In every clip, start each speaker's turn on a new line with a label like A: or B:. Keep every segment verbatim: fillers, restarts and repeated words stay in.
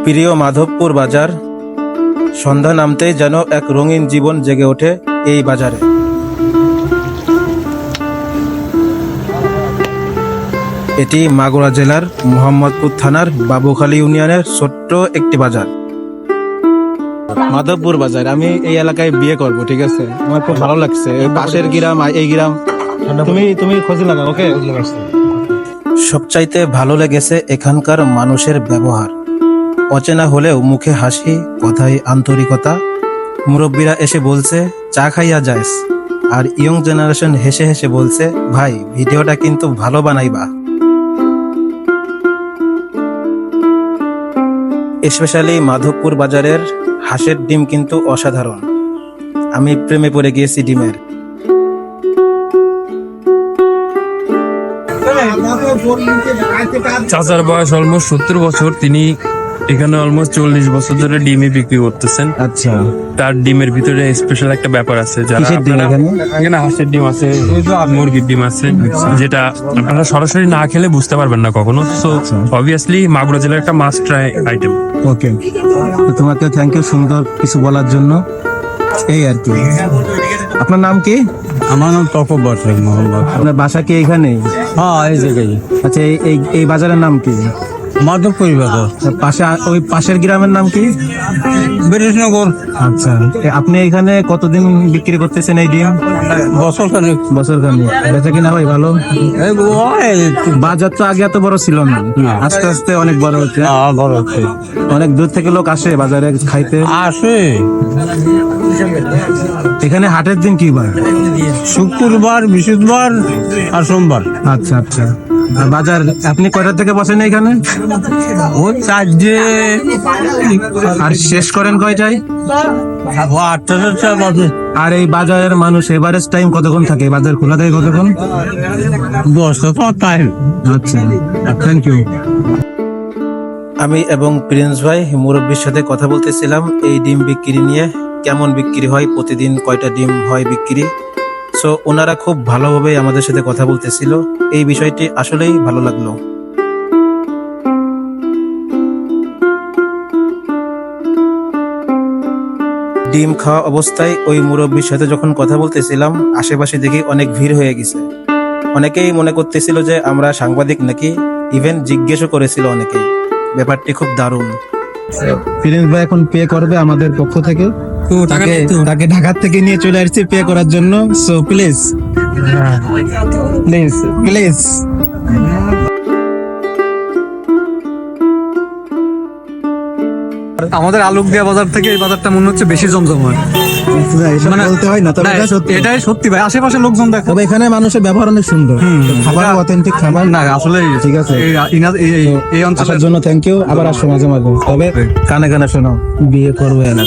A: প্রিয় মাধবপুর বাজার। সন্ধ্যা নামতেই যেন এক রঙিন জীবন জেগে ওঠে এই বাজারে। এটি মাগুরা জেলার মোহাম্মদপুর থানার বাবুখালী ইউনিয়নের ছোট্ট একটি বাজার, মাধবপুর বাজার। আমি এই এলাকায় বিয়ে করব, ঠিক আছে? আমার খুব ভালো লাগছে। পাশের গ্রাম এই গ্রাম, তুমি তুমি খোঁজ লাগাও, ওকে? সবচাইতে ভালো লেগেছে এখানকার মানুষের ব্যবহার। অচেনা হলেও মুখে হাসি, কথায় আন্তরিকতা। মুরব্বীরা এসে বলছে চা খাইয়া যাইস, আর ইয়ং জেনারেশন হেসে হেসে বলছে ভাই ভিডিওটা কিন্তু ভালো বানাইবা। স্পেশালি মাধবপুর বাজারের হাঁসের ডিম কিন্তু অসাধারণ। আমি প্রেমে পড়ে গিয়েছি ডিমের।
B: চাচার বয়স অলমোস্ট সত্তর বছর। তিনি এখানে অলমোস্ট চল্লিশ বছর ধরে ডিমই বিক্রি করতেছেন।
A: আচ্ছা,
B: তার ডিমের ভিতরে স্পেশাল একটা ব্যাপার আছে, যারা
A: কিসের ডিম
B: আপনারা-
A: এখানে?
B: এখানে হাঁসের ডিম আছে, মুরগির ডিম আছে, যেটা আপনারা সরাসরি না খেলে বুঝতে পারবেন না কখনো। সো অবভিয়াসলি মাগুরা জেলার একটা মাস্ট ট্রাই আইটেম।
A: ওকে, তো তোমাকে থ্যাংক ইউ সুন্দর কিছু বলার জন্য। এই আর কি। আপনার নাম কি?
C: আমার নাম তকব্বর শেখ মোহাম্মদ।
A: আপনার বাসা কি এখানে?
C: হ্যাঁ, এই জায়গায়
A: আচ্ছা, এই- এই এই বাজারের নাম কি?
C: মাধবপুর বাজার,
A: পাশে ওই পাশের গ্রামের নাম কি?
C: বিরেশনগর।
A: আচ্ছা, এ আপনি এখানে কতদিন বিক্রি করতেছেন এই ডিম?
C: বছর খানিক।
A: বছর খানি। বেচা কিনা ভাই ভালো?
C: এই ওই
A: বাজার তো আগে এত বড় ছিল না,
C: না।
A: আস্তে আস্তে অনেক বড় হচ্ছে।
C: হ্যাঁ, বড় হচ্ছে।
A: অনেক দূর থেকে লোক আসে বাজারে খাইতে।
C: আসে
A: এখানে হাটের দিন কি বার?
C: শুক্রবার, বৃহস্পতিবার আর সোমবার।
A: আচ্ছা আচ্ছা। আর বাজার আপনি কয়টা থেকে বসেন এখানে?
C: ওই চারটে
A: আর শেষ করেন কয়টায়?
C: ও আটটা চারটা বাজে।
A: আর এই বাজারের মানুষ এভারেজ টাইম কতক্ষণ থাকে? বাজার খোলা থাকে কতক্ষণ?
C: দশটা তো টাইম।
A: আচ্ছা, থ্যাংক ইউ। আমি এবং প্রিন্স ভাই মুরব্বীর সাথে কথা বলতেছিলাম এই ডিম বিক্রি নিয়ে, কেমন বিক্রি হয়, প্রতিদিন কয়টা ডিম হয় বিক্রি। সো ওনারা খুব ভালোভাবে আমাদের সাথে কথা বলতেছিল। এই বিষয়টি আসলেই ভালো লাগলো। ডিম খাওয়া অবস্থায় ওই মুরব্বীর সাথে যখন কথা বলতেছিলাম, আশেপাশে দেখি অনেক ভিড় হয়ে গেছে। অনেকেই মনে করতেছিল যে আমরা সাংবাদিক নাকি, ইভেন জিজ্ঞেসও করেছিল অনেকেই। ব্যাপারটি খুব দারুণ। প্রিন্স ভাই এখন পে করবে আমাদের পক্ষ থেকে। তাকে তাকে ঢাকা থেকে নিয়ে চলে আসছি পে করার জন্য। So please please please.
D: আমাদের আলোক দিয়া বাজার থেকে এই বাজারটা মনে হচ্ছে বেশি জমজমাট। মানে-
A: বলতে হয় না, তবে
D: না,
A: এটা সত্যি।
D: এটাই সত্যি ভাই, আশেপাশে লোকজন দেখো।
A: তবে এখানে মানুষের ব্যবহার অনেক সুন্দর, খাবার
D: এটা-
A: অথেন্টিক খাবার।
D: না আসলে
A: ঠিক আছে।
D: এই ইনা- এই- এই- এই অঞ্চলের
A: আসার জন্য থ্যাংক ইউ। আবার আসো মাঝে মাঝে। তবে কানে কানে শোনো, বিয়ে করবে না।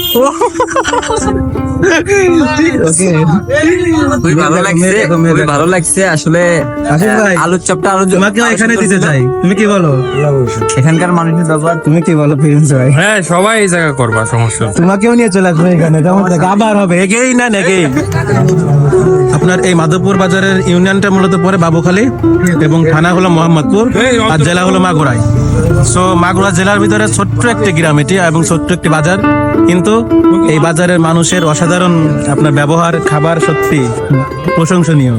A: ওকে,
E: খুবই ভালো লাগছে, খুবই ভালো লাগছে আসলে।
A: আশিস ভাই,
E: আলুর চপটা আরো
A: তোমাকেও এখানে দিতে চাই। তুমি কি বলো?
E: এখানকার মানুষের ব্যবহার
A: তুমি কি বলো প্রিন্স ভাই?
B: হ্যাঁ, সবাই এই জায়গা করবা, সমস্যা নেই।
A: তোমাকেও নিয়ে চলে আসবে এখানে, কেমন থাকে? আবার হবে এগেইন না এগেইন। আপনার এই মাধবপুর বাজারের ইউনিয়নটা মূলত পরে বাবুখালী এবং থানা হলো মোহাম্মদপুর আর জেলা হলো মাগুরাই। সো মাগুরা জেলার ভিতরে ছোট্ট একটি গ্রাম এটি এবং ছোট্ট একটি বাজার, কিন্তু এই বাজারের মানুষের অসাধারণ আপনার ব্যবহার, খাবার সত্যি প্রশংসনীয়।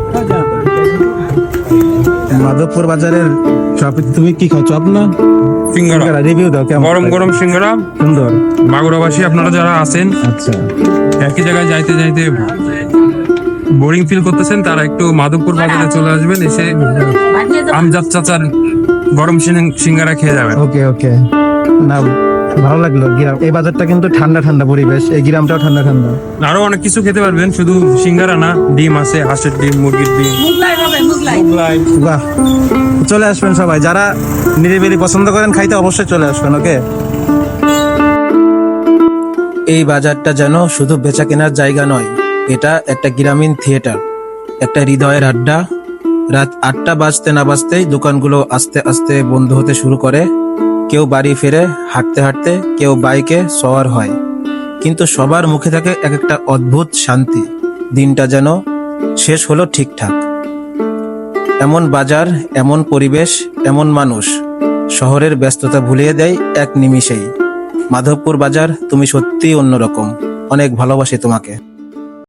A: মাধবপুর বাজারের চপ, তুমি কি খাও? চপ না
B: সিঙ্গারা,
A: রিভিউ দাও কেমন?
B: গরম গরম সিঙ্গারা।
A: সুন্দর।
B: মাগুরাবাসী আপনারা যারা আছেন,
A: আচ্ছা,
B: একই জায়গায় যাইতে যাইতে বোরিং ফিল করতেছেন, তারা একটু মাধবপুর বাজারে চলে আসবেন, এসে আমজাদ চাচার গরম সিং- সিঙ্গারা খেয়ে যাবেন।
A: ওকে ওকে। না, ভালো লাগলো গ্রাম। এই বাজারটা কিন্তু ঠান্ডা ঠান্ডা পরিবেশ, এই গ্রামটাও ঠান্ডা ঠান্ডা।
B: আরো অনেক কিছু খেতে পারবেন, শুধু সিঙ্গারা না, ডিম আছে, হাঁসের ডিম, মুরগির ডিম, মোগলাই।
A: বাহ, চলে আসবেন সবাই, যারা নিরিবিলি পছন্দ করেন খাইতে অবশ্যই চলে আসবেন। ওকে। এই বাজারটা যেন শুধু বেচা কেনার জায়গা নয়, এটা একটা গ্রামীণ থিয়েটার, একটা হৃদয়ের আড্ডা। রাত আটটা বাজতে না বাজতেই দোকানগুলো আস্তে আস্তে বন্ধ হতে শুরু করে। কেউ বাড়ি ফিরে হাঁটতে হাঁটতে, কেউ বাইকে সওয়ার হয়, কিন্তু সবার মুখে থাকে এক একটা অদ্ভুত শান্তি। দিনটা যেন শেষ হলো ঠিকঠাক। এমন বাজার, এমন পরিবেশ, এমন মানুষ, শহরের ব্যস্ততা ভুলিয়ে দেয় এক নিমিষেই। মাধবপুর বাজার, তুমি সত্যিই অন্যরকম। অনেক ভালোবাসি তোমাকে।